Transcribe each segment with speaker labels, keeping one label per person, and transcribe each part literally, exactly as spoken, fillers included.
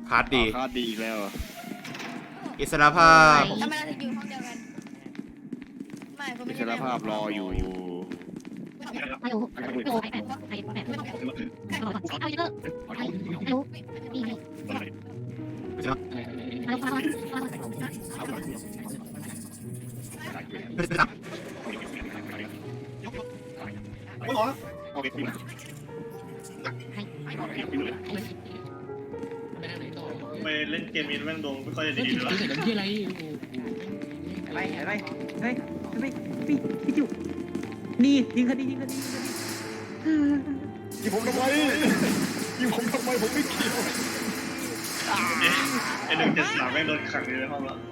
Speaker 1: คาร์ดดี
Speaker 2: คาร์ดดีอีกแล้ว
Speaker 1: อิสรภาพ
Speaker 3: ทำไมเราถึงอยู่ห้องเดียวกันไม่ผมไม่
Speaker 2: อิส
Speaker 3: ใช่
Speaker 2: รภาพรออยู่
Speaker 4: ไม่รู้ไม่รู้ไม่รู้ไม่รู้ไม่รู้เอาเยอะไม่รู้นี่นี่เอาฟัง
Speaker 5: ไปเล่นเกมนี้แม่งดวงไม่ค่อยจะดีเลย
Speaker 6: เสร็จแล้วที่อะไร
Speaker 7: อะไรอะไรเฮ้ยเฮ้ยพี่พี่จุนี่ยิงคดียิงคดี
Speaker 2: ยิงผมทำไมยิงผมทำไมผมไม่เกี่ยว
Speaker 5: ไอ้หนึ่งเจ็ดสามแม่งโดนขังอยู่ในห้องแล้ว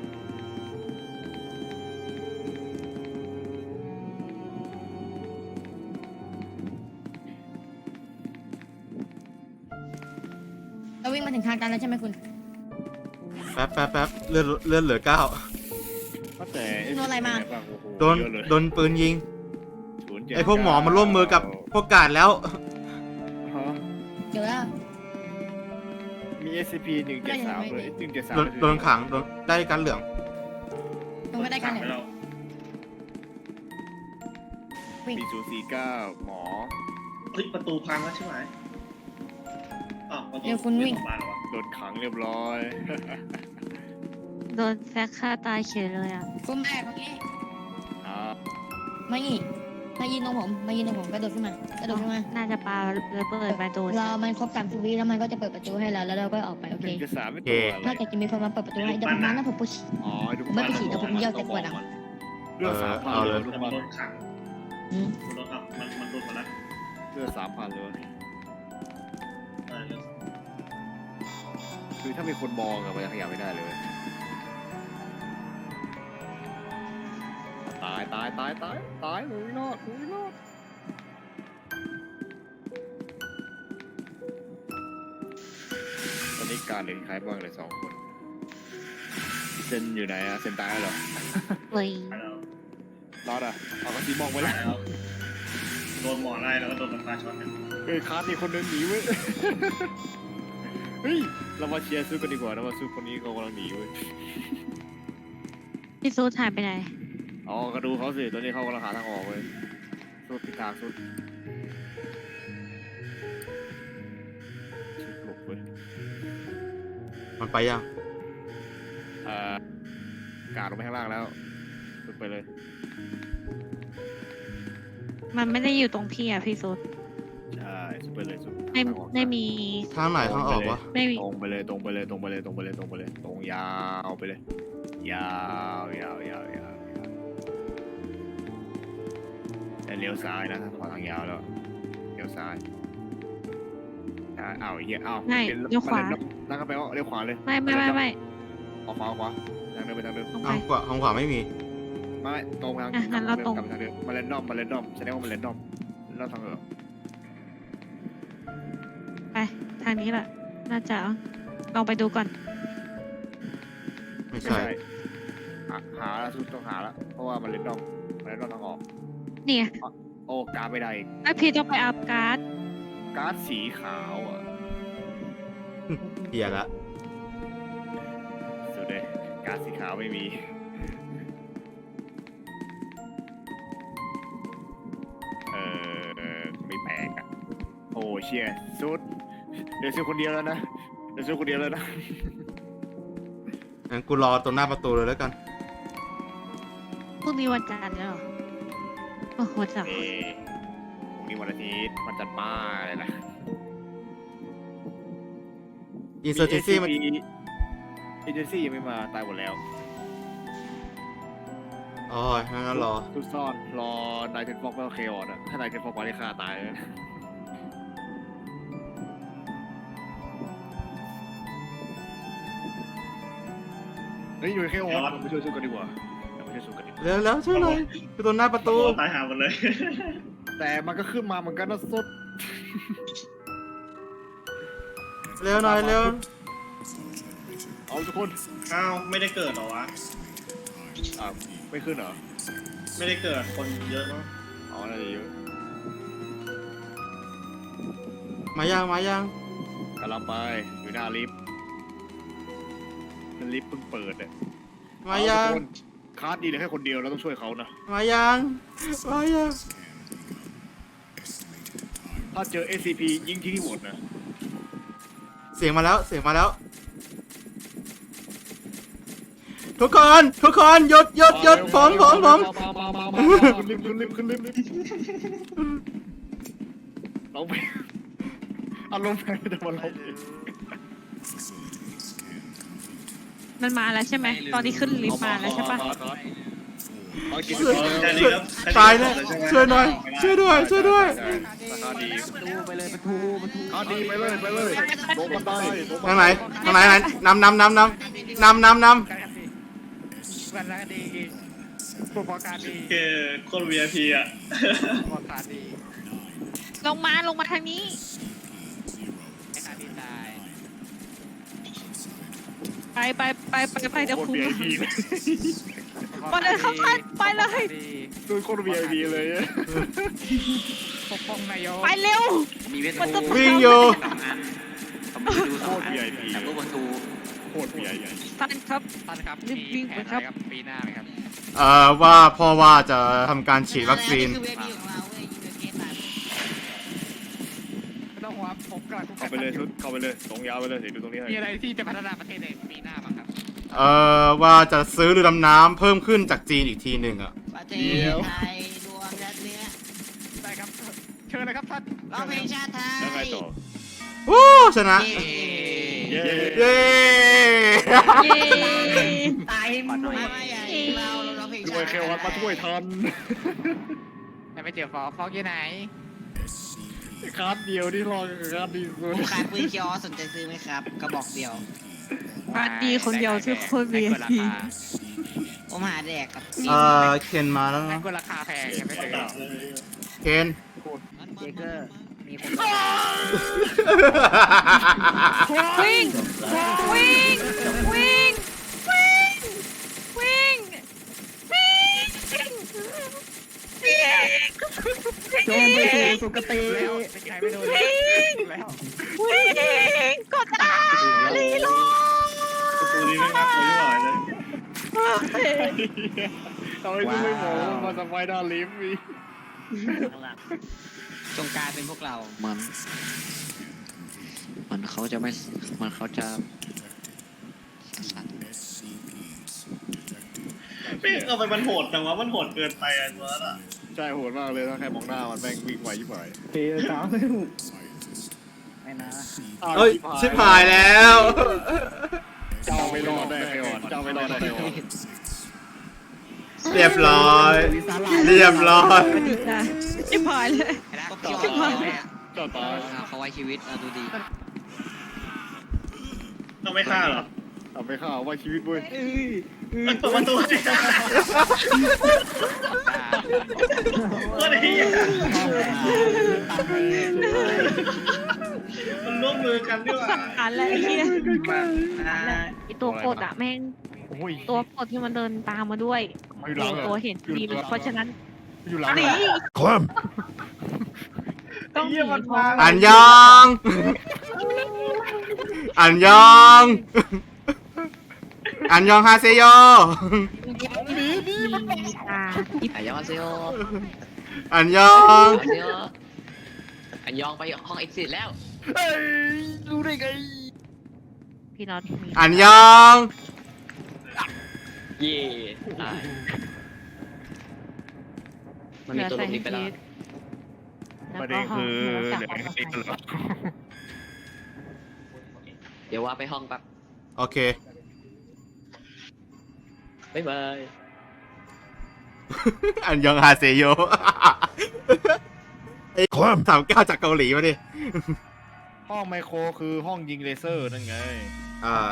Speaker 3: เราวิ่งมาถึงทางตันแล้วใช่ไหมคุณ
Speaker 1: แป๊บแป๊บแป๊บเลื่อนเลื่อนเหลือเก้า
Speaker 2: แต่
Speaker 3: โดนอะไรมา
Speaker 1: โดนโดนปืนยิง
Speaker 2: ศูนย์เจ็ด
Speaker 1: ไอพวกหมอมันร่วมมือกับพวกกาดแล้ว
Speaker 2: ฮะ
Speaker 3: เจอแล้ว
Speaker 2: มี เอส ซี พี หนึ่งเจ็ดสามเลยหนึ่งเจ็ดสาม
Speaker 1: โดนโดนขังโดนได้กันเหลือง
Speaker 3: ตรงก็ได้กันเนี่ย
Speaker 5: แล้ว
Speaker 3: วิ่ง
Speaker 2: มีศูนย์สี่เก้าหมอ
Speaker 5: เฮ้ยประตูพังแล้วใช่ไหมอ้าวประตูมาแล้ววะ
Speaker 2: โดนขังเรียบร้อย
Speaker 4: โดนแฟกฆ่าตายเฉยเลยอ่ะ
Speaker 3: คุณแม่ตรงนี้
Speaker 2: อ่า
Speaker 3: มาอีกมายืนตรงผมมายืนตรงผมกระโดดขึ้นมากระโดดขึ้นมา
Speaker 4: น่าจะปาระเบิดมาโดน
Speaker 3: รอมันครบสามสิบวิแล้วมันก็จะเปิดประตูให้เราแล้วเราก็ออกไปโอ
Speaker 2: ห
Speaker 3: เค
Speaker 2: นึ่งเจ็ดสามไม่ตัวอะไร
Speaker 3: ถ้าเกิดจะมีคนมาเปิดประตูให้เดี๋ยวผมมานะผมปุ๊ช
Speaker 2: อ๋อดู
Speaker 3: ผมไม่ไปฉีดแต่ผมเยี่ยวแต่ปวดอ่ะ
Speaker 2: เลือดสามพัน
Speaker 1: เอา
Speaker 2: เล
Speaker 1: เลย ย
Speaker 2: ดู
Speaker 5: แต่
Speaker 2: มั
Speaker 5: มัน
Speaker 2: น
Speaker 5: โดนขัง
Speaker 3: อืม
Speaker 5: มันโดนอ่ะมันมันโดนหมดแล้ว
Speaker 2: เลือดสามพันเลย
Speaker 5: เออ
Speaker 2: คือถ้ามีคนมองอะมันจะขยับไม่ได้เลย ตายตายตายตายตายหนูไม่รอดหนูไม่รอดตอนนี้การเหลือใครบ้างเลยสองคนเซนอยู่ไหนอะเซนตายแล้วเหรอ
Speaker 4: เฮ้ย
Speaker 5: แล้ว
Speaker 2: รอดอะเอากระสีมองไปแล้ว
Speaker 5: แล้วโดนหมอไล่แล้วก็โดนมันฟาช็อตเนี่ย
Speaker 2: เอ้ยคาร์ดมีคนเดินหนีเว้ย เฮ้ยเรามาเชียร์สู้กันดีกว่าเรามาสู้คนนี้เขากำลังหนีเว้ย
Speaker 4: พี่ซูดหายไปไหน
Speaker 2: อ๋อก็ดูเขาสิตอนนี้เขากำลังหาทางออกเว้ยสู้ผิดทางสุดชิบหลบเว้ย
Speaker 1: มันไปยัง
Speaker 2: เอ่อกาดลงไปข้างล่างแล้วสุดไปเลย
Speaker 4: มันไม่ได้อยู่ตรงพี่อ่ะพี่ซูด
Speaker 2: ใช่สุดไปเลยสุด
Speaker 4: ไม่
Speaker 2: ทางออก
Speaker 4: ไม่มี
Speaker 1: ทางไหนทางออกวะ
Speaker 4: ไม่มี
Speaker 2: ตรงไปเลยตรงไปเลยตรงไปเลยตรงไปเลยตรงไปเลยตรงยาวไปเลย ยาวยาวยาวยาวแต่เลี้ยวซ้ายนะถ้าขวาทางยาวแล้วเลี้ยวซ้ายอ่าอ้าวไอ้เหี้ยอ้าว
Speaker 4: ไม่เลี้ยวขวา
Speaker 2: นั่งก็ไปว่าเลี้ยวขวาเลย
Speaker 4: ไม่ไม่ไม่ไม่
Speaker 2: ออกขวาออกขวาทางเดินไปทางเดิม
Speaker 4: ตรงไป
Speaker 1: ทางขวาทางขวาไม่มี
Speaker 2: ไม่ตรงทาง
Speaker 4: อ่ะงั้นเราตรง
Speaker 2: กลับทางเดิมมาเลนดอมมาเลนดอมแสดงว่ามาเลนดอมเราทางเออ
Speaker 4: ไปทางนี้แหละน่าจะลองไปดูก่อน
Speaker 1: ไม่
Speaker 2: ไม่
Speaker 1: ใช่
Speaker 2: ใช่หาหาแล้วสุดต้องหาแล้วเพราะว่ามาเลนดอมมาเลนดอมทางออก
Speaker 4: เนี่ย
Speaker 2: โอ้การดไม่ได้อีก
Speaker 4: ไอพี่ต้องไปอัพการ์ด
Speaker 2: การ์ดสีขาวอ่ะ
Speaker 1: เหี้ยละ
Speaker 2: สุดเลยการ์ดสีขาวไม่มีเออไม่แปลกอ่ะโอ้เชียสุดเดี๋ยวซื้อคนเดียวแล้วนะเดี๋ยวซื้อคนเดียวแล้วนะ
Speaker 1: งั้นกูรอตรงหน้าประตูเลยแล้วกัน
Speaker 4: พรุ่งนี้วันจันทร์แล้วเหรอโอ้โหจ้ะ
Speaker 2: เอพรุ่งนี้วันอาทิตย์วันจันทร์ป้าอะไรนะ
Speaker 1: อินเซอร์จิซี่มัน
Speaker 2: เอเจนซี่ยังไม่มาตายหมดแล้ว
Speaker 1: อ๋องั้นรอ
Speaker 2: ซุกซ่อนรอนายเทนฟอกไม่โอเคอ่อนอะถ้านายเทนฟอกมาได้ฆ่าตายเลยเฮ้ยอยู่แค่ออนเราไปช่วยสู้กันดีกว่าเราไปช่วยสู้กันดีกว่า
Speaker 1: เร็วแล้วช่วยหน่อยคือตรงหน้าประตู
Speaker 5: ตายหาหมดเลย
Speaker 2: แต่มันก็ขึ้นมาเหมือนกันนะสุด
Speaker 1: เร็วหน่อยเร็ว
Speaker 2: เอาทุกคน
Speaker 5: อ้าวไม่ได้เกิดเหรอวะ
Speaker 2: อ่าไม่ขึ้นเหรอ
Speaker 5: ไม่ได้เกิดคนเยอะมั้ง
Speaker 2: อ๋อน่าจะเยอะ
Speaker 1: มายังมายัง
Speaker 2: กำลังไปอยู่หน้าลิฟต์มันลิฟต์เพิ่งเปิดเนี่ย
Speaker 1: มายัง
Speaker 2: คาร์ดดีเหลยแค่คนเดียวเราต้องช่วยเขานะ
Speaker 1: มายังมายัง
Speaker 2: ถ้าเจอ เอส ซี พี ยิงที่ที่หมดนะ
Speaker 1: เสียงมาแล้วเสียงมาแล้ว ทุกคนทุกคนหยุดหยุดหยุดผมผมผม
Speaker 2: ขึ้นลิฟต์ขึ้นลิฟต์ขึ้นลิฟต์เราไปอารมณ์แพ้จะมาเราเอง
Speaker 4: มันมาแล้วใช่ไหมตอนนี้ขึ้นลิฟต์มาแล้วใช่ปะ
Speaker 1: ตายแล้วช่วยหน่อยช่วยด้วยช่วยด้วย
Speaker 2: คาร์ดดี
Speaker 7: ดูไปเลยประตูประตู
Speaker 2: คาร์ดดีไปเลยไปเลยลงบันไดลงบั
Speaker 1: ทาง
Speaker 2: น
Speaker 1: ไหน
Speaker 2: ได
Speaker 1: ทางไหนไหนนำนำนำนำนำนำน
Speaker 7: วันละดีพวกพอการดี
Speaker 5: เกโคตร วี ไอ พี อ่ะ
Speaker 7: พอการดี
Speaker 4: ลงมาลงมาทางนี้
Speaker 7: ไอ้การดีตาย
Speaker 4: ไปไปไปไปไปเดี๋ยว
Speaker 2: โคตร
Speaker 4: คุณ
Speaker 2: วี ไอ พี เลย
Speaker 4: มาเลยครับท่านไปเลย
Speaker 2: ดูโคตร วี ไอ พี เลย
Speaker 7: ปกป้องนายก
Speaker 4: ไปเร็ว
Speaker 7: มีเวท
Speaker 4: มันจะ
Speaker 1: ำวิ่งอยู่
Speaker 7: สองอันผมไปดู
Speaker 2: โค
Speaker 7: สอง
Speaker 2: ตร
Speaker 7: อัน
Speaker 2: วี ไอ พี
Speaker 7: จากรูปประตู
Speaker 2: โคตร วี ไอ พี
Speaker 4: ท่านครับ
Speaker 7: ท่านครับ
Speaker 4: รีบวิ่งไปครับ
Speaker 7: ปีหน้าไหมครับ
Speaker 1: เอ่อว่าพ่อว่าจะทำการฉีดวัคซีน
Speaker 3: คือเวทีของเราเว้ยยูเอสมา
Speaker 7: ไม่ต้องห่วงผมกำลัง
Speaker 2: เข้าไปเลยชุดเข้าไปเลยตรงยาวไปเลยสิดูตรงนี้ให้
Speaker 7: มีอะไรที่จะพัฒนาประเทศในปีหน้าบ้างครับ
Speaker 1: เอ่อว่าจะซื้อเรือดำน้ำเพิ่มขึ้นจากจีนอีกทีหนึ่งอ่ะ
Speaker 3: ประเทศไทยรวมรัฐเนี้ย
Speaker 7: ได้ครับเชิญเลยครับท่าน
Speaker 3: ร้องเพลงชาติไทย
Speaker 2: แล้วไงต่อ
Speaker 1: วู้ชนะ
Speaker 3: เย้
Speaker 2: เย้
Speaker 1: เย้
Speaker 4: เย้
Speaker 3: ตายหมดไม่ไม่ใหญ่เราเราร้องเพลง
Speaker 2: ช่
Speaker 3: ชา
Speaker 2: วย
Speaker 3: ติ
Speaker 2: เควัดมาช่วยทัน
Speaker 7: ยังไม่เจอฟอกฟอกอยู่ไหน
Speaker 2: คาร์ดเดียวที่รอคาร์ดดีสุ
Speaker 3: ผ
Speaker 2: ด
Speaker 3: มขายปืนคิออสสนใจซื้อไหมครับกระบอกเดียว
Speaker 4: บ้านดีคนเดียวที่โคนเวีย
Speaker 7: ได้
Speaker 4: พี
Speaker 7: ราคา
Speaker 3: ผมหาแดกกับ
Speaker 1: เอ่อเคนมาแล้ว
Speaker 7: ได้
Speaker 1: นะ
Speaker 7: ก็ราคาแพงยังไม่เจอ
Speaker 1: เคน
Speaker 7: เจเกอร์มีคน
Speaker 4: วิ่งวิ่งวิ่งวิ่งวิ่งวิ่งวิ่ง
Speaker 7: จงไปสู่สุคติแล้วไม่ใครไม่โดนแล้ว
Speaker 4: วิ่งกดอ่ะลีโล
Speaker 5: ตัวนี้ไม่น่ากลัวที่หน่อยเลย
Speaker 2: ทำไมถึงไม่หมอมาสบายด้านลิฟต์อีก
Speaker 3: จงกลายเป็นพวกเรา
Speaker 6: มัน มันเขาจะไม่ มันเขาจะ
Speaker 5: เป๊ะเอาไปมันโหดจังวะมันโหดเกินไปอ่ะตัวนั้นอ่ะ
Speaker 2: ใช่โหดมากเลยถ้าแค่มองหน้ามันแม่งวิ่งไวยิ่งไหว
Speaker 7: เฮ้ยสาวไม่นะ
Speaker 1: เอ้ยชิบหายแล้ว
Speaker 2: เจ้าไม่รอดได้ไงอ่อนเจ้าไม่รอดได้ไงอ่อน
Speaker 1: เรียบร้อย เรียบร้อย
Speaker 4: กระดิกนะชิบหายเลย
Speaker 2: เจ้าตาย
Speaker 6: เขาไว้ชีวิตเอาดูดี
Speaker 5: ต้องไม่ฆ่าหรอ
Speaker 2: ทำไปข้าวไว้ชีวิตเว้ย
Speaker 5: มันเปิดประตูสิก็ได้มันร่วมมือกันด้วย
Speaker 4: สังหารแล้วไอ้เหี้ย
Speaker 8: ไอตัวกดอะแม่ง
Speaker 2: โอ้ย
Speaker 8: ตัวกดที่มันเดินตามมาด้วย
Speaker 2: อยู่หลัง
Speaker 8: ตัวเห็นทีมเพราะฉะนั้น
Speaker 2: อยู่หลัง
Speaker 8: หนี
Speaker 2: คลัม
Speaker 8: ต้องหนีเพราะ
Speaker 1: อันยอง อันยอง อันยองฮาเซโย
Speaker 8: มีตาที่
Speaker 6: อันยองเซโย
Speaker 1: อันยอง
Speaker 6: อันยองอันยองไปห้องเอ็กซิสแล้ว
Speaker 2: เฮ้ยรู้ได้ไง
Speaker 8: พี่น็อตมี
Speaker 1: อันยอง
Speaker 6: เย่ตายมันมีตัวหลบหนีไปแล้ว
Speaker 8: แล้ว
Speaker 2: ประ
Speaker 8: ก็
Speaker 2: เด็น
Speaker 8: ห้อง
Speaker 2: คือ
Speaker 8: หนู
Speaker 2: เห
Speaker 8: จาก
Speaker 2: ลือ
Speaker 8: ออก
Speaker 2: แค่
Speaker 8: มา
Speaker 2: นี้เหรอ
Speaker 6: เดี๋ยวว่าไปห้องแป๊บ
Speaker 1: โอเค
Speaker 6: บ๊ายบาย
Speaker 1: อันยองฮาเซโยไอ้สามเก้าจากเกาหลีมาดิ
Speaker 2: ห้องไมโครคือห้องยิงเลเซอร์นั่นไง
Speaker 1: อ่า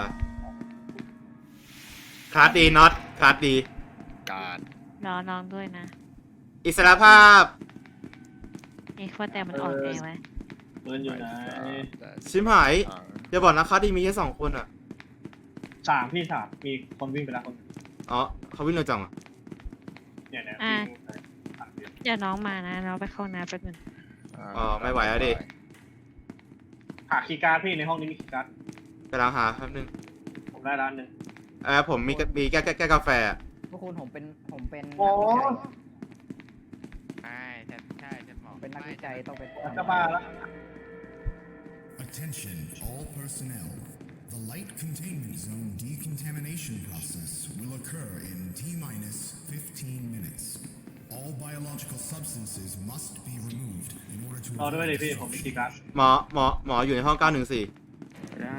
Speaker 1: คลาสดีน็อตคลาสดี
Speaker 2: การ
Speaker 8: รอน้องด้วยนะ
Speaker 1: อิสรภาพ
Speaker 8: เอ๊ะว่าแต่มันอ่อนแอไหม
Speaker 5: มันอยู่ไหน
Speaker 1: ชิมหายอย่าบอกนะคลาสดีมีแค่สองคนอ่ะ
Speaker 5: สามพี่สามมีคนวิ่งไปแล้วคน
Speaker 1: อ๋อเขาวิ่งเร็วจังอ่ะ
Speaker 5: เนี่ยเนี่ย
Speaker 8: อ่ะเดี๋ยวน้องมานะเราไปเข้าน้ำแป๊บนึง
Speaker 1: อ๋อไม่ไหวแล้วดิ
Speaker 5: หาคีย์การ์ดพี่ในห้องนี้มีคีย์การ์ด
Speaker 1: ไปล้างหาแป๊บนึง
Speaker 5: ผมได้ร้านหนึ่ง
Speaker 1: เออผมมีกมีแก้แก้แก้กาแฟ
Speaker 7: พวกคุณผมเป็นผมเป็น
Speaker 5: โอ้
Speaker 7: นักวิจัย
Speaker 6: ใช่ใช่ใช่ฉันบอก
Speaker 7: เป็นนักวิจัยต้องเป็น
Speaker 5: จะมาแล้ว
Speaker 9: Attention, all personnel. The light containment zone decontamination process will occur in T minus fifteen minutes. All biological substances must be removed in order to
Speaker 5: รอด้วย
Speaker 9: avoid
Speaker 5: ดิพี่ผมมีกีการ์ด
Speaker 1: หมอหมอหมออยู่ในห้องเก้าหนึ่งสี่
Speaker 2: แล้ว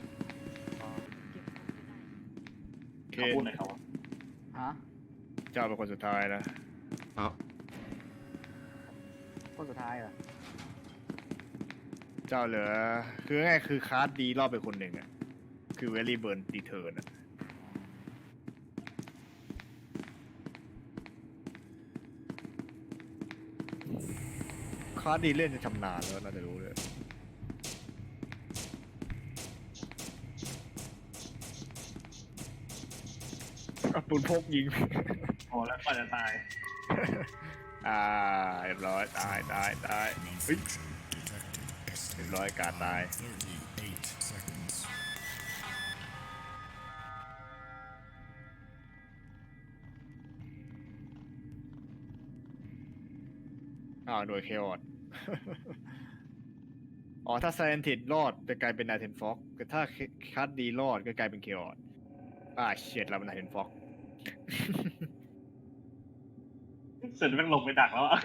Speaker 2: เค
Speaker 5: เขาพูดหน่อยเขา
Speaker 7: ฮะ
Speaker 2: เจ้าเป็นคนสุดท้ายนะ
Speaker 1: เอา
Speaker 7: คนสุดท้ายเหรอ
Speaker 2: เจ้าเหลือคือง่ายๆคือคาร์ดดีรอบไปคนหนึ่งอ่ะคือเวลี่เบิร์นดีเทิร์นอ่ะคาร์ดดีเล่นจะชำนาญแล้วน่าจะรู้เลยเอาปืนพกยิง
Speaker 5: โอ้แล้วกว่าจะตาย
Speaker 2: อ่าเรียบร้อยตายตายตายเฮ้ย
Speaker 9: malfunction detected.
Speaker 2: เรียบร้อยการตาย
Speaker 9: thirty-eight seconds.
Speaker 2: อ่าหน่วยเคออด อ๋อถ้าไซเอนติดรอดจะกลายเป็นนาเทนฟ็อกแต่ถ้าคัดดีรอดก็กลายเป็นเคออดอ่าเฉียดเราเป็นนาเทนฟ็อก
Speaker 5: เสร็จแม่งลงไปดักแล้วอะ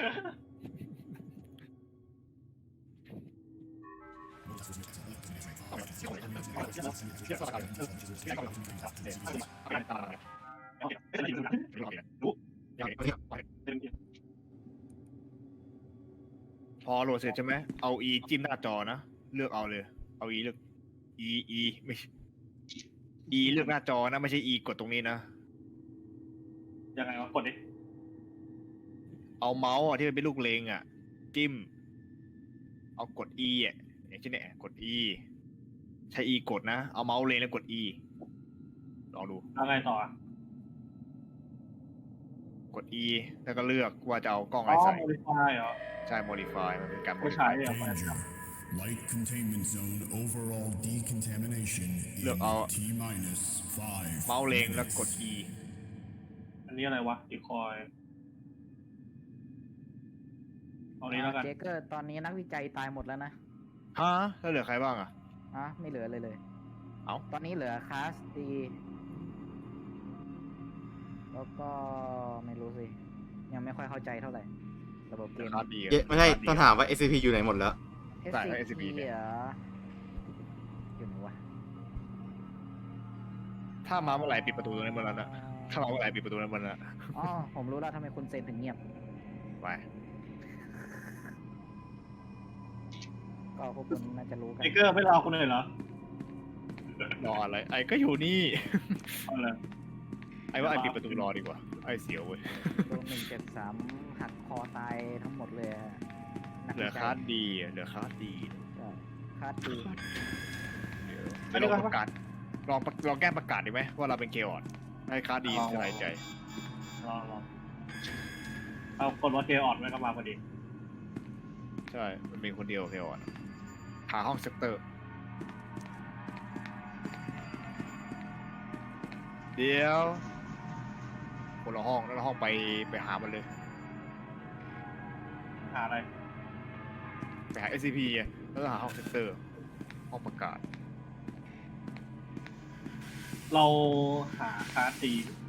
Speaker 2: พอโหลดเสร็จใช่ไหมเอา E จิ้มหน้าจอนะเลือกเอาเลยเอา E เลือก E E ไม่ E เลือกหน้าจอนะไม่ใช่ E กดตรงนี้นะ
Speaker 5: ยังไงวะกดดิ
Speaker 2: เอาเมาส์อ่ะที่มันเป็นลูกเลงอ่ะ จิ้ม เอากด E อ่ะอย่างเช่นเนี่ยกด E ใช้ E กดนะ เอาเมาส์เลงแล้วกด E ลองดู
Speaker 5: แล้วไงต่ออะ
Speaker 2: กด E แล้วก็เลือกว่าจะเอากล้องอะ
Speaker 5: อ๋
Speaker 2: ไร
Speaker 5: อ
Speaker 2: ใส่
Speaker 5: โมดิฟายเหรอ
Speaker 2: ใช่ modify มันเป็นการ
Speaker 5: ไม่ใช้
Speaker 2: modify
Speaker 5: อะ
Speaker 9: Danger. Light containment zone overall decontamination in
Speaker 2: Look, I'll-
Speaker 9: T minus five.
Speaker 2: เมาส์เลงแล้วกด E
Speaker 5: อันนี้อะไรวะอีคอยเอานี้แล้วกัน
Speaker 7: เจเกอร์ตอนนี้นักวิจัยตายหมดแล้วนะ
Speaker 2: ฮะแล้วเหลือใครบ้างอ่ะ
Speaker 7: อ่ะไม่เหลือเลยเลย
Speaker 2: เอ้า
Speaker 7: ตอนนี้เหลือคาสตีแล้วก็ไม่รู้สิ ยังไม่ค่อยเข้าใจเท่าไหร่ ระบบเกม
Speaker 2: คาร์ดดี
Speaker 1: เย้ไม่ใช่ต้องถามว่า เอส ซี พี อยู่ไหนหมดแล้ว
Speaker 2: ใช่
Speaker 7: SCP
Speaker 2: S C P เนี่ย
Speaker 7: เหรออยู่ไหนวะ
Speaker 2: ถ้ามาเมื่อไหร่ปิดประตูตรงนั้นเมื่อนั้นอะถ้ามาเมื่อไหร่ปิดประตูนั้นเมื่อนั้นอะ
Speaker 7: อ๋อ ผมรู้แล้วทำไมคุณเซนถึงเงียบ
Speaker 2: ไป
Speaker 7: ก็พวกคุณน่าจะรู้กัน
Speaker 5: ไอเกอร์ไม่รอคุณเลยเหรอ
Speaker 2: รออะไรไอ้ก็อยู่นี่
Speaker 5: เอาเลย
Speaker 2: ไอ้ว่าไอ้ปิดประตูรอดีกว่า ไอ้เสียวเว้ย
Speaker 7: โดนหนึ่งเจ็ดสามหักคอตายทั้งหมดเลยอะนัก
Speaker 2: เหลือ
Speaker 7: วิจัย
Speaker 2: คาร์ดดีอะเหลือคาร์ดดี
Speaker 7: ใช่คาดดี
Speaker 2: เดี๋ยวเดี๋ยวลองประกาศลองประลองแก้ประกาศดีไหมว่าเราเป็นเกลออดให้คาร์ดดีสบายใจ
Speaker 5: รอรอเอากดว่าเกออดไว้ก็มาพอดี
Speaker 2: ใช่ มันมีคนเดียวเกลออดหาห้องเซกเตอร์ เดี๋ยวคนละห้องแล้วละห้องไปไปหามันเลย
Speaker 5: หาอะไร
Speaker 2: ไปหา เอส ซี พี อ่ะแล้วก็หาห้องเซกเตอร์ ห้องประกาศ
Speaker 5: เราหาคาร์ดตี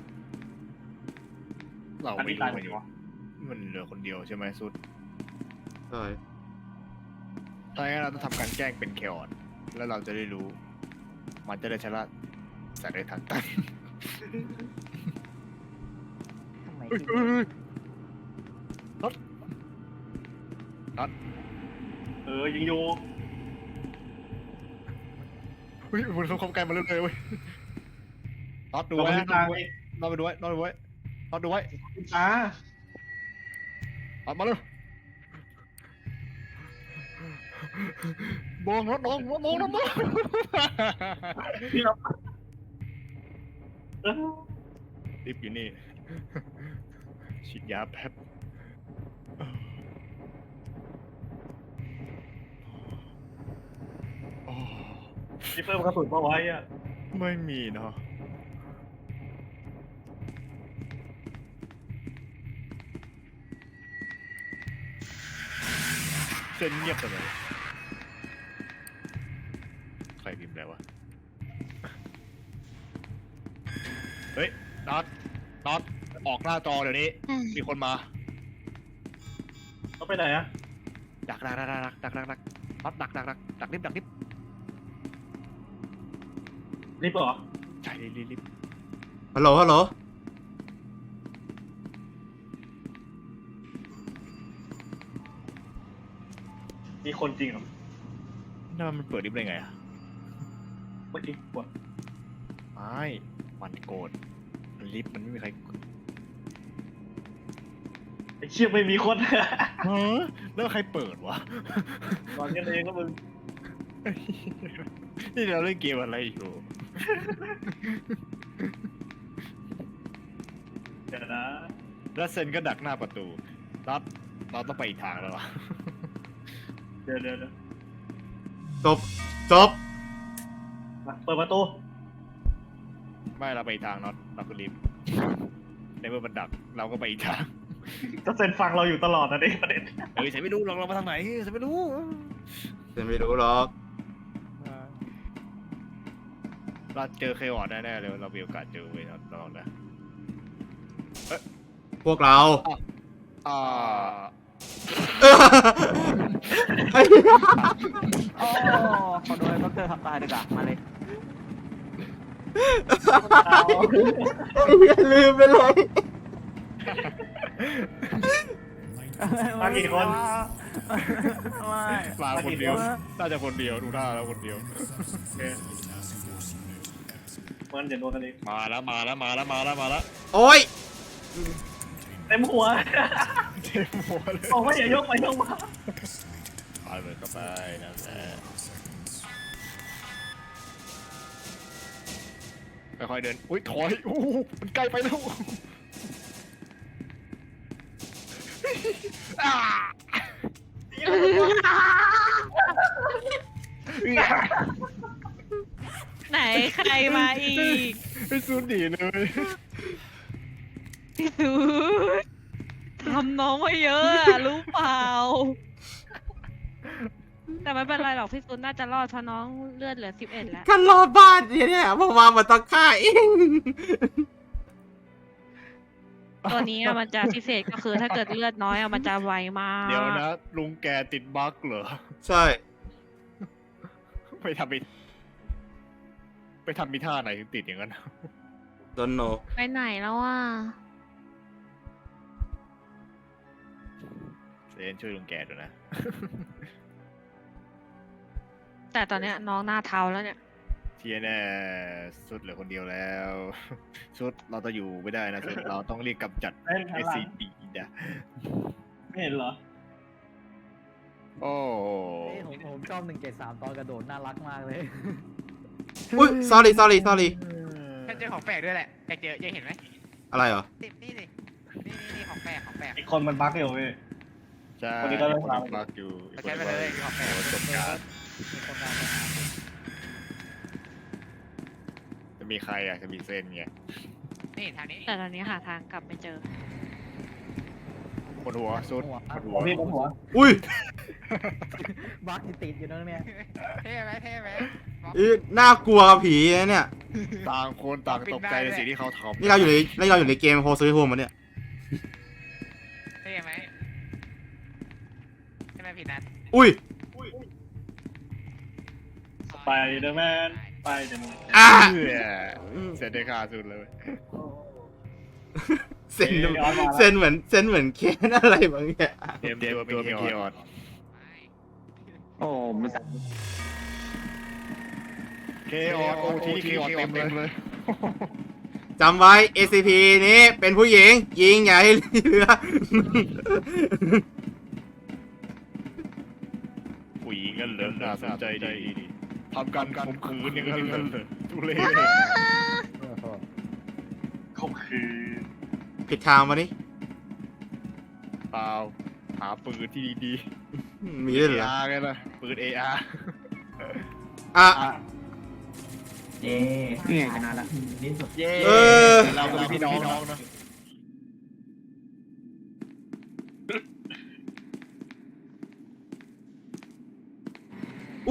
Speaker 2: เรา
Speaker 5: อัน
Speaker 2: ไม่
Speaker 5: นี้ตาย
Speaker 2: รู้
Speaker 5: หม
Speaker 2: มั
Speaker 5: ด
Speaker 2: นอยู่
Speaker 5: วะ
Speaker 2: มันเหลือคนเดียวใช่ไหมสุด
Speaker 1: ใช่
Speaker 2: ถ้าอย่างนั้นเราต้องทำการแกล้งเป็นเคออดแล้วเราจะได้รู้ มันจะได้ชนะสัตว์ในทางตัน
Speaker 7: ทำไม
Speaker 2: เฮ้ย
Speaker 7: ที่
Speaker 2: เฮ้ยเฮ้ยน็อตน็อต
Speaker 5: เออยิงอยู่
Speaker 2: เฮ้ยมันเข้าใกล้มาเรื่อยๆเว้ยน็อตดู
Speaker 5: เรา
Speaker 2: ไว้
Speaker 5: ไป
Speaker 2: นะ
Speaker 5: ทาง
Speaker 2: น็อตไปดูไว้น็อตไปดูไว้น็อตดูไว้
Speaker 5: อ่า
Speaker 2: น็อตมาเลยมองน็อตมองมองน็อตมอง
Speaker 5: พี่เราเออ
Speaker 2: รีบอยู่นี่ ฉีดยาแป๊บโอ้
Speaker 5: พี่เพิ่มกระสุนมาไว้อะ
Speaker 2: ไม่มีเนาะเส้นเงียบไปเลยใครพิมพ์อะไรวะเฮ้ยน็อตน็อตออกหน้าจอเดี๋ยวนี้มีคนมา
Speaker 5: เขาไปไหนอะ
Speaker 2: ดักดักดักดักดักดักดักน็อตดักดักดักดักลิฟต์ดักลิฟต์
Speaker 5: รีบเหรอ
Speaker 2: ใช่ลิฟต์ลิฟต์
Speaker 1: ฮัลโหลฮัลโหล
Speaker 5: มีคนจริงเหรอ
Speaker 2: นั่นมันเปิดลิฟต์ได้ไงอะ
Speaker 5: เมื่อกี้กด
Speaker 2: ไม่มันโกรธลิฟต์มันไม่มีใคร
Speaker 5: ไอ้เชี่ยไม่มีคน
Speaker 2: ฮะแล้วใครเปิดวะ
Speaker 5: นอนกันเองก็มึง
Speaker 2: นี่เราเล่นเกมอะไรอยู่
Speaker 5: เดี๋ยวนะ
Speaker 2: แล้วเซนก็ดักหน้าประตูน็อตเราต้องไปอีกทางแล้ววะ
Speaker 5: เดี๋ยวเดี๋ยวเดี๋ยว
Speaker 1: จบจบ
Speaker 5: มาเปิดประตู
Speaker 2: ไม่เราไปอีกทางน็อตเราคือลิฟต์ในเมื่อมันดักเราก็ไปอีกทาง
Speaker 5: ก็เซ็นฟังเราอยู่ตลอดนะเด็ประเด็น
Speaker 2: เฮ้ยฉันไม่รู้หรอกเรามาทางไหนฉันไม่รู้
Speaker 1: ฉันไม่รู้หรอก
Speaker 2: เราเจอเคออดแน่ๆเลยเรามีโอกาสเจอเว้ยน็อตลองนะ
Speaker 1: พวกเรา
Speaker 2: อ่า
Speaker 1: ไอ้เหี้ย
Speaker 7: โอ้ขอโดนด็อกเตอร์ทำตายดีกว่ามาเลย
Speaker 1: ไอ้เหี้ยลืมไปเลย
Speaker 5: มากี่คน
Speaker 2: มาคนเดียวน่าจะคนเดียวดูท่าแล้วคนเดียว
Speaker 5: มันอย่าโดนกันเอง
Speaker 2: มาแล้วมาแล้วมาแล้วมาแล้วมาแล้ว
Speaker 1: โอ้ย
Speaker 5: เต็มหัว
Speaker 2: เต็มหัวเลย
Speaker 5: บอกว่าอย่ายกไปยกมา
Speaker 2: ไปเลยก็ไปนั่นแหละค่อยๆเดินอุ้ยถอยโอ้โหมันใกล้ไปแล้วอ่า
Speaker 8: ไหนใครมาอีก
Speaker 2: ไอ้ซูนดีเลย
Speaker 8: พี่ซูดทำน้องมาเยอะอะรู้เปล่า แต่ไม่เป็นไรหรอกพี่ซูดน่าจะรอดเพราะน้องเลือดเหลือสิบเอ็ดแล้ว
Speaker 1: กันรอบ้านเนี่ยเนี่ยเพราะว่ามันต้องฆ่าเอง
Speaker 8: ตัวนี้อะมันจะพิเศษก็คือถ้าเกิดเลือดน้อยอะมันจะไวมาก
Speaker 2: เดี๋ยวนะลุงแกติดบั๊กเหรอ
Speaker 1: ใช่
Speaker 2: ไปทำไปไปทำมีท่าไหนถึงติดอย่างนั้น
Speaker 1: โดนโน
Speaker 8: ไปไหนแล้วอ่ะ
Speaker 2: เซนช่วยลุงแกด้วยนะ
Speaker 8: แต่ตอนเนี้ยน้องหน้าเทาแล้วเนี่ย
Speaker 2: เทียแน่สุดเหลือคนเดียวแล้ว สุดเราจะอยู่ไม่ได้นะสุดเราต้องเรียกกำจัด
Speaker 5: เล่น
Speaker 2: เอ
Speaker 5: ข้างหลั
Speaker 2: ซี
Speaker 5: ง
Speaker 2: ดีนะ
Speaker 5: ไม่เห็นเหรอ
Speaker 2: โอ้
Speaker 7: ผมผมชอบหนึ่งเจ็ดสามตอนกระโดดน่ารักมากเลย
Speaker 1: อุ้ย sorry sorry sorry
Speaker 10: ฉันเจอของแปลกด้วยแหละอยากเจออยากเห็นไหม
Speaker 1: อะไรเหรอ
Speaker 10: นี่นี่นี่นี่นี่ของแปลกของแปลก
Speaker 5: อีกคนมันบั๊กอยู่เว้ย
Speaker 2: ใช่
Speaker 5: คนนี้ก็เริ่มทำ
Speaker 2: บักอยู่
Speaker 10: เราใช้ไปเลยของแปลก
Speaker 2: จบการจะมีใครอ่ะจะมีเซนไง
Speaker 10: นี่ทางนี้
Speaker 8: แต่ตอนนี้หาทางกลับไม่เจอ
Speaker 2: บนหัวสุดบนหัว
Speaker 5: พี่บนหัว
Speaker 1: อุ้ย
Speaker 7: บักติดอยู่นั่นเนี่ย
Speaker 10: เท่ไหมเท่ไหม
Speaker 1: อีน่ากลัวกับผีนะเนี่ย
Speaker 2: ต่างคนต่างตกใจในสิ่งที่เขาทำ
Speaker 1: นี่เราอยู่ในนี่เราอยู่ในเกมโฮซูริโฮมมันเนี่ย
Speaker 10: เท่ไหมใช่ไหมพี่นัท
Speaker 1: อุ้ย
Speaker 5: ไปเดอะแมนไปเดอะแมน
Speaker 1: อ่ะ
Speaker 2: เพื่อเซนได้ค่าสุดเลย
Speaker 1: เซนเซนเหมือนเซนเหมือนเคนอะไรบางอย่าง
Speaker 2: เตรียมตัวเป็นเคออด
Speaker 7: โอ้ไม่ใช่
Speaker 2: เคออดโอทีเคออดเต็มเลย
Speaker 1: จำไว้ เอ ซี พี นี้เป็นผู้หญิง ยิงอย่าให้เหลือ
Speaker 2: ผู้หญิงกันเหลิมน่าสนใจดีทำการข่มขืนอย่างนั้นเลยทุเรศ
Speaker 5: ข่มขืน
Speaker 1: ผิดทางมานี่
Speaker 2: เปล่าหาปืนที่ดี
Speaker 1: มี
Speaker 2: ๆ
Speaker 1: ด้วยเหรอ
Speaker 2: อาร์ไงล่ะปืน เอ อาร์
Speaker 1: อ่ะ
Speaker 7: เย้เนี่ยชนะละนี่สุด
Speaker 2: เย้
Speaker 1: เออ
Speaker 2: เราก็เป็นพี่น้องนะ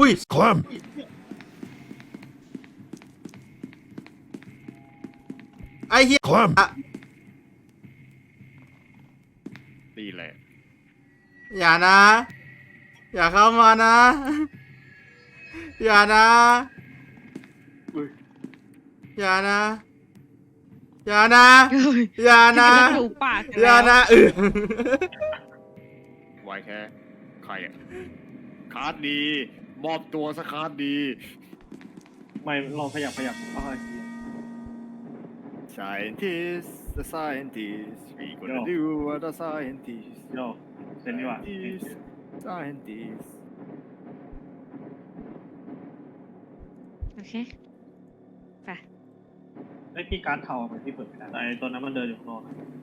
Speaker 1: อุ้ยคลมไอ้เหี้ยคลม
Speaker 2: ตีแหละ
Speaker 1: อย่านะ อย่าเข้ามานะ อย่านะ อย่านะ อย่านะ อย่านะ
Speaker 8: จะจูบปาก
Speaker 1: อย่านะเออ
Speaker 2: ไว้แค่ใครอะคาร์ดดี มอบตัวสคาร์ดดี
Speaker 5: ไม่ลองขยับขยับอ้อย
Speaker 2: Scientist the scientist we gonna
Speaker 5: Yo.
Speaker 2: do what the scientist
Speaker 5: โยเซ็นดีกว่า
Speaker 2: scientist scientist
Speaker 8: โอเค
Speaker 5: ไอ้พี่การ์ดเทามันที่เปิดไม่ได้แต่ไอ้ตัวนั้นมันเดินอยู่ข้างนอก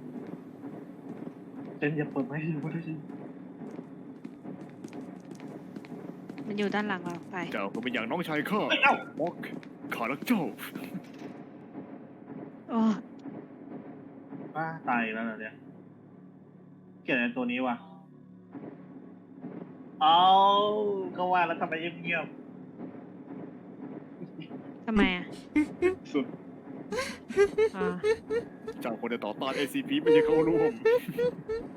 Speaker 5: เซ็นอย่าเปิดไม่ให้รู้ได้ยิน
Speaker 8: มันอยู่ด้านหลังเราไป
Speaker 2: เจ้าก็เป็นอย่างน้องชายข้า
Speaker 5: เฮ้ยเอ้า
Speaker 2: บอกข้ารักเจ้า
Speaker 8: โอ้
Speaker 5: ป้าตายอีกแล้วเหรอเนี่ยเกลียดไอ้ตัวนี้ว่ะเอาก็ว่าแล้วทำไมเงียบ
Speaker 8: ทำไมอ่ะ
Speaker 5: ๆสุด
Speaker 8: อ๋อ
Speaker 2: เจ้าคนจะต่อต้าน เอ ซี พี ไม่ใช่เข้าร่วม